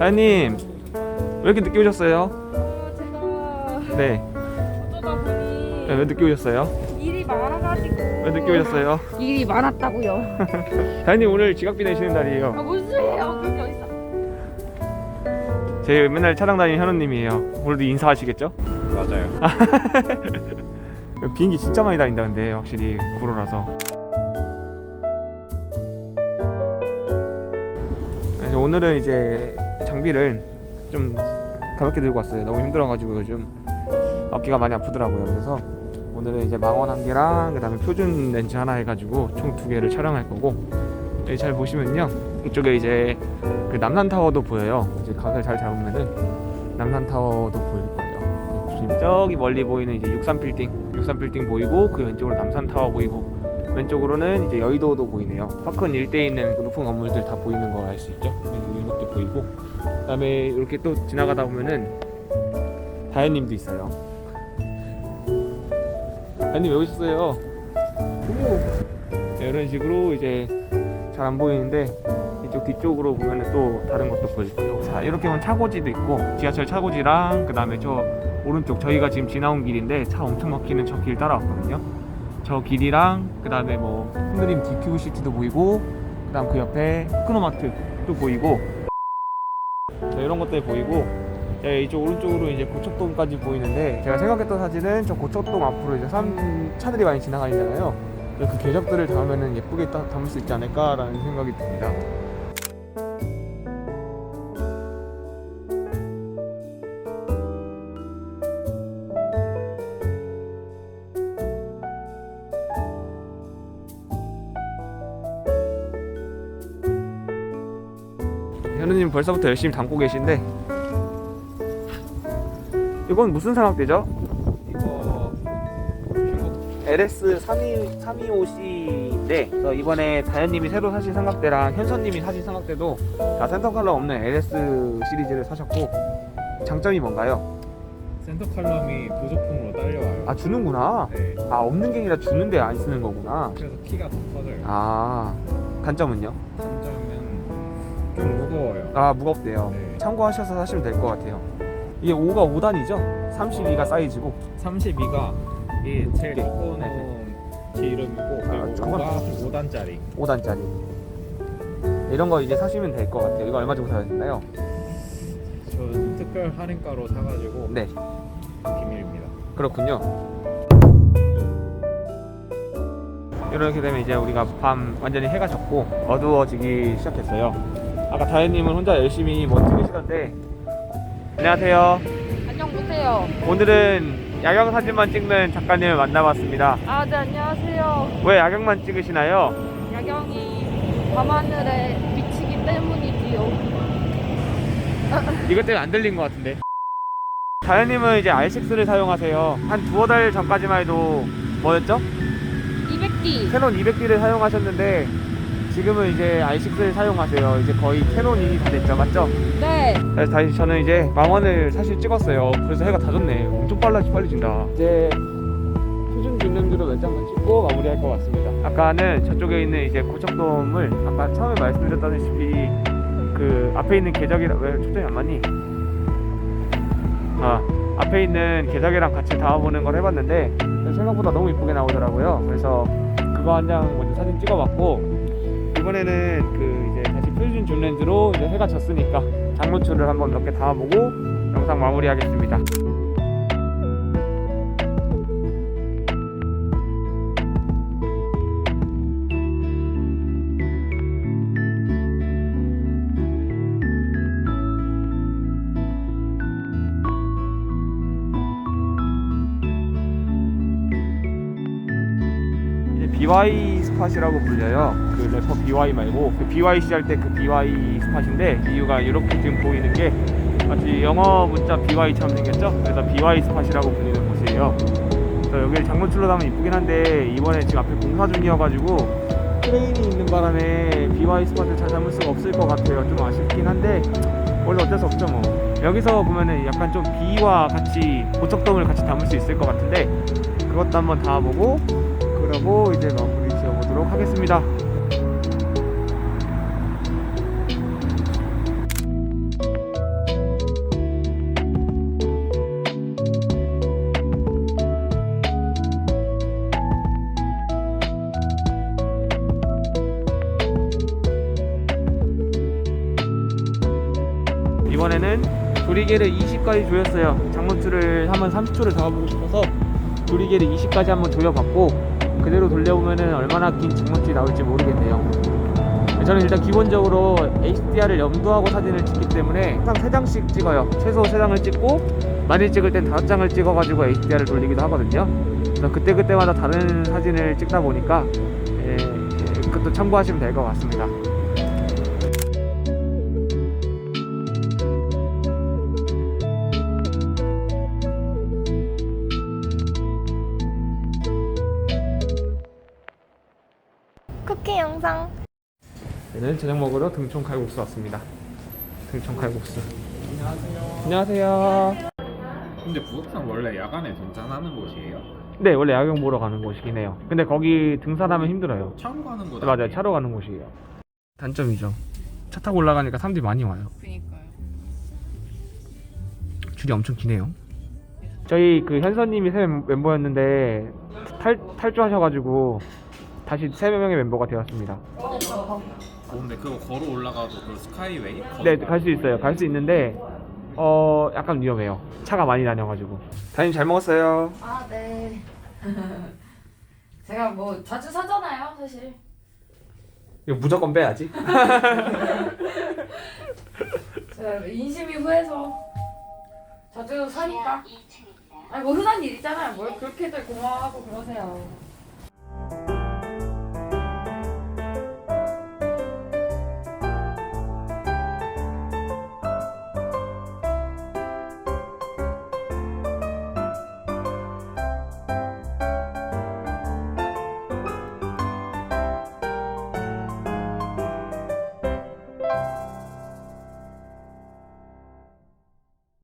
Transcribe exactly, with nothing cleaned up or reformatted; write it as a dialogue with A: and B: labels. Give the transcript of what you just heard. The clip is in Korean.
A: 다현님 왜 이렇게 늦게 오셨어요?
B: 어, 제가
A: 네.
B: 어쩌다 보니
A: 네, 왜 늦게 오셨어요?
B: 일이 많아가지고.
A: 왜 늦게 오셨어요?
B: 일이 많았다고요.
A: 다현님 오늘 지각비 내시는 날이에요.
B: 아, 무슨 소리예요? 그게 어딨어?
A: 제 맨날 차량 다니는 현우님이에요. 오늘도 인사하시겠죠?
C: 맞아요.
A: 비행기 진짜 많이 다닌다 근데 확실히 구로라서. 그래서 오늘은 이제 장비를 좀 가볍게 들고 왔어요. 너무 힘들어가지고 요즘 어깨가 많이 아프더라고요. 그래서 오늘은 이제 망원 한 개랑 그 다음에 표준 렌즈 하나 해가지고 총 두 개를 촬영할 거고, 여기 잘 보시면요, 이쪽에 이제 그 남산타워도 보여요. 이제 각을 잘 잡으면은 남산타워도 보일 거예요. 지금 저기 멀리 보이는 이제 육삼 빌딩, 육삼 빌딩 보이고, 그 왼쪽으로 남산타워 보이고, 왼쪽으로는 이제 여의도도 보이네요. 파크원 일대에 있는 그 높은 건물들 다 보이는 거 알 수 있죠? 이것도 보이고, 그 다음에 이렇게 또 지나가다 보면은 다현님도 있어요. 다현님 왜 오셨어요? 네, 이런 식으로 이제 잘 안 보이는데 이쪽 뒤쪽으로 보면은 또 다른 것도 보여줄게요. 자, 이렇게 보면 차고지도 있고, 지하철 차고지랑 그 다음에 저 오른쪽 저희가 지금 지나온 길인데 차 엄청 막히는 저 길 따라왔거든요. 저 길이랑 그 다음에 뭐 흔들림 디큐브 시티도 보이고, 그 다음 그 옆에 테크노마트도 보이고, 자, 이런 것들이 보이고, 네, 이쪽 오른쪽으로 이제 고척동까지 보이는데, 제가 생각했던 사진은 저 고척동 앞으로 이제 산 차들이 많이 지나가잖아요. 그 궤적들을 담으면 예쁘게 따, 담을 수 있지 않을까라는 생각이 듭니다. 현우님 벌써부터 열심히 담고 계신데, 이건 무슨 삼각대죠?
C: 이거 중국
A: 엘에스 삼이오 씨인데, 그래서 이번에 다현님이 새로 사신 삼각대랑 현선님이 사신 삼각대도 다 센터 컬러 없는 엘에스 시리즈를 사셨고, 장점이 뭔가요?
C: 센터 칼럼이 부속품으로 딸려와요.
A: 아, 주는구나.
C: 네.
A: 아, 없는 게 아니라 주는데 안 쓰는 거구나.
C: 그래서 키가 더 커져요.
A: 아, 단점은요?
C: 단점은 좀 무거워요.
A: 아, 무겁대요.
C: 네.
A: 참고하셔서 사시면 될 것 같아요. 이게 오가 오 단이죠? 삼십이가 사이즈고.
C: 삼십이가 이 제일
A: 네.
C: 두꺼운 제 이름이고,
A: 아,
C: 그리고
A: 저건
C: 오가 오 단짜리.
A: 오 단짜리. 이런 거 이제 사시면 될 것 같아요. 이거 얼마 주고 사셨나요?
C: 저는 특별 할인가로 사가지고
A: 네,
C: 비밀입니다.
A: 그렇군요. 이렇게 되면 이제 우리가 밤 완전히 해가 졌고 어두워지기 시작했어요. 아까 다현님은 혼자 열심히 뭐 찍으시던데. 안녕하세요.
B: 안녕, 보세요.
A: 오늘은 야경 사진만 찍는 작가님을 만나봤습니다.
B: 아, 네, 안녕하세요.
A: 왜 야경만 찍으시나요?
B: 야경이 밤하늘에 비치기 때문이지요.
A: 이것 때문에 안 들린 것 같은데. 다현님은 이제 알식스를 사용하세요. 한 두어 달 전까지만 해도 뭐였죠?
B: 이백 디.
A: 캐논 이백 디를 사용하셨는데 지금은 이제 알식스를 사용하세요. 이제 거의 캐논이 다 됐죠, 맞죠?
B: 네.
A: 그래서 다시 저는 이제 망원을 사실 찍었어요. 그래서 해가 다 졌네. 엄청 빨라, 빨리 진다. 이제 표준 균냄새로 몇 장만 찍고 마무리할 것 같습니다. 아까는 저쪽에 있는 이제 고척돔을 아까 처음에 말씀드렸다시피 그 앞에 있는 계적이랑, 왜 초점이 안 맞니? 아, 앞에 있는 계적이랑 같이 담아보는 걸 해봤는데 생각보다 너무 이쁘게 나오더라고요. 그래서 그거 한 장 먼저 사진 찍어봤고, 이번에는 그 이제 다시 표준 줌 렌즈로 이제 해가 졌으니까 장노출을 한번 몇 개 담아보고 영상 마무리하겠습니다. 비와이 스팟이라고 불려요. 그 래퍼 비와이 말고 그 비와이씨 할 때 그 비와이 스팟인데, 이유가 이렇게 지금 보이는 게 마치 영어 문자 비와이처럼 생겼죠? 그래서 비와이 스팟이라고 불리는 곳이에요. 그래서 여기를 장노출로 담으면 이쁘긴 한데 이번에 지금 앞에 공사 중이어가지고 크레인이 있는 바람에 비와이 스팟을 잘 담을 수가 없을 것 같아요. 좀 아쉽긴 한데 원래 어쩔 수 없죠 뭐. 여기서 보면은 약간 좀 비와 같이 고척돔을 같이 담을 수 있을 것 같은데 그것도 한번 담아보고, 그러고 이제 마무리 지어보도록 하겠습니다. 조리개를 이십까지 조였어요. 장문줄을 한번 삼십 초를 잡아보고 싶어서 조리개를 이십까지 한번 조여봤고 그대로 돌려보면은 얼마나 긴 장문줄이 나올지 모르겠네요. 저는 일단 기본적으로 에이치디알을 염두하고 사진을 찍기 때문에 항상 세 장씩 찍어요. 최소 세 장을 찍고 많이 찍을 땐 다섯 장을 찍어가지고 에이치디알을 돌리기도 하거든요. 그래서 그때그때마다 다른 사진을 찍다 보니까 예, 예, 그것도 참고하시면 될 것 같습니다.
B: 쿠키 영상.
A: 저는 저녁 먹으러 등촌 칼국수 왔습니다. 등촌 칼국수. 안녕하세요.
C: 근데 부석산 원래 야간에 등산하는 곳이에요?
A: 네, 원래 야경 보러 가는 곳이긴 해요. 근데 거기 등산하면 힘들어요.
C: 차로 가는 곳
A: 네, 맞아요.
C: 아니에요?
A: 차로 가는 곳이에요. 단점이죠. 차 타고 올라가니까 사람들이 많이 와요.
B: 그니까요.
A: 줄이 엄청 기네요. 저희 그 현서님이 새 멤- 멤버였는데 탈 탈주하셔가지고 다시 세 명의 멤버가 되었습니다.
C: 어, 근데 그거 걸어 올라가도 그 스카이웨이?
A: 네, 갈 수 있어요. 갈 수 있는데 어 약간 위험해요. 차가 많이 다녀가지고. 다님 잘 먹었어요.
B: 아, 네. 제가 뭐 자주 사잖아요, 사실.
A: 이거 무조건 빼야지.
B: 제가 인심이 후해서 자주 사니까. 아니 뭐 흔한 일이잖아요. 뭘 그렇게들 고마워하고 그러세요.